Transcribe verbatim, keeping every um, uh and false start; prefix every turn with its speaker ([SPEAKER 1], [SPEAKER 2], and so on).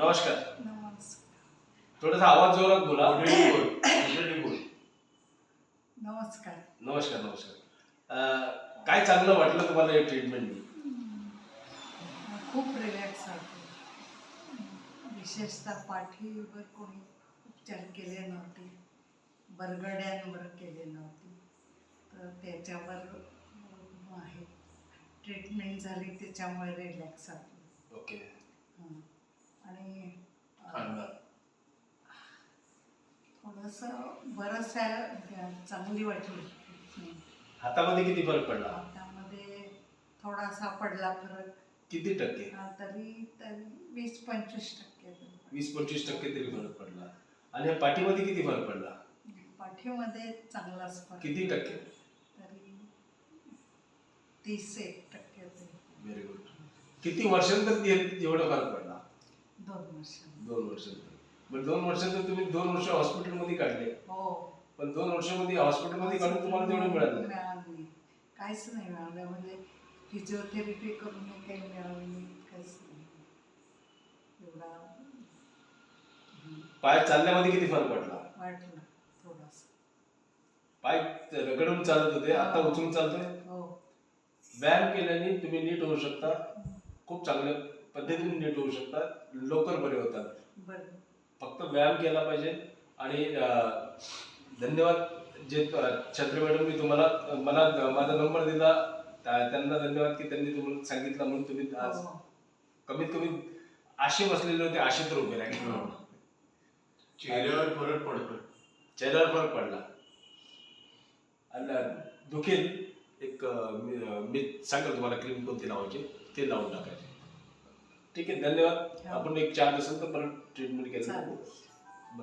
[SPEAKER 1] नमस्कार.
[SPEAKER 2] नमस्कार.
[SPEAKER 1] थोडासा आवाज जोरात बोला.
[SPEAKER 2] नमस्कार.
[SPEAKER 1] नमस्कार नमस्कार. अं, काय चांगलं वाटलं तुम्हाला या ट्रीटमेंटनी?
[SPEAKER 2] खूप रिलॅक्स वाटतो. विशेषतः पाठीवर कोणी उपचार केले नव्हते, बरगड्यांवर केले नव्हते, तर त्याच्यावर अं, आहे ट्रीटमेंट झाली त्याच्यामुळे रिलॅक्स वाटलं.
[SPEAKER 1] ओके.
[SPEAKER 2] हं. आणि अं, थोडंसं बरंच आहे, चांगली वाटली. हं.
[SPEAKER 1] हातामध्ये किती फरक पडला?
[SPEAKER 2] हातामध्ये थोडासा पडला फरक.
[SPEAKER 1] किती टक्के?
[SPEAKER 2] हा, तरी तरी वीस पंचवीस टक्के तरी.
[SPEAKER 1] वीस पंचवीस टक्के तरी फरक पडला. आणि या पाठीमध्ये किती फरक पडला?
[SPEAKER 2] पाठीमध्ये चांगलाच फरक.
[SPEAKER 1] किती टक्के?
[SPEAKER 2] तरी तीस एक टक्के तरी.
[SPEAKER 1] Very good. किती वर्षांतर ते- एवढा फरक पडला?
[SPEAKER 2] दोन वर्ष.
[SPEAKER 1] दोन वर्षांतर. पण दोन वर्षांतर तुम्ही दोन वर्ष हॉस्पिटलमध्ये काढले.
[SPEAKER 2] हो.
[SPEAKER 1] पण दोन वर्षांमध्ये हॉस्पिटलमध्ये काढून तुम्हाला तेवढं मिळालं नाही.
[SPEAKER 2] मिळालं नाही, काहीच नाही मिळालं. म्हणजे फिजिओथेरपी करून काही मिळालं नाही, काहीच नाही एवढा.
[SPEAKER 1] पाय चालण्यामध्ये किती फरक पडला?
[SPEAKER 2] वाटलं थोडासा.
[SPEAKER 1] पाय रगडून चालत होते, आता उचलून चालतोय.
[SPEAKER 2] हो.
[SPEAKER 1] व्यायाम केल्याने तुम्ही नीट होऊ शकता, खूप चांगल्या पद्धतीने नीट होऊ शकता, लवकर बरे होतात.
[SPEAKER 2] बरं.
[SPEAKER 1] फक्त व्यायाम केला पाहिजे. आणि अं, धन्यवाद जे छत्री मॅडम मी तुम्हाला मला माझा नंबर दिला, त्या- त्यांना धन्यवाद की त्यांनी तुम्हाला सांगितलं म्हणून तुम्ही आज
[SPEAKER 2] हो.
[SPEAKER 1] कमीत कमी आशे बसलेले होते, आशे तर उभे राहिले.
[SPEAKER 3] चेहऱ्यावर फरक पडतो.
[SPEAKER 1] चेहऱ्यावर फरक पडला. आणि दुखेल एक अं, मी मी सांगेल तुम्हाला क्रीम कोणती लावायची, ते लावून टाकायचे. ठीक आहे, धन्यवाद. आपण एक चार दिवसानंतर परत ट्रीटमेंट केलं.
[SPEAKER 2] चालेल.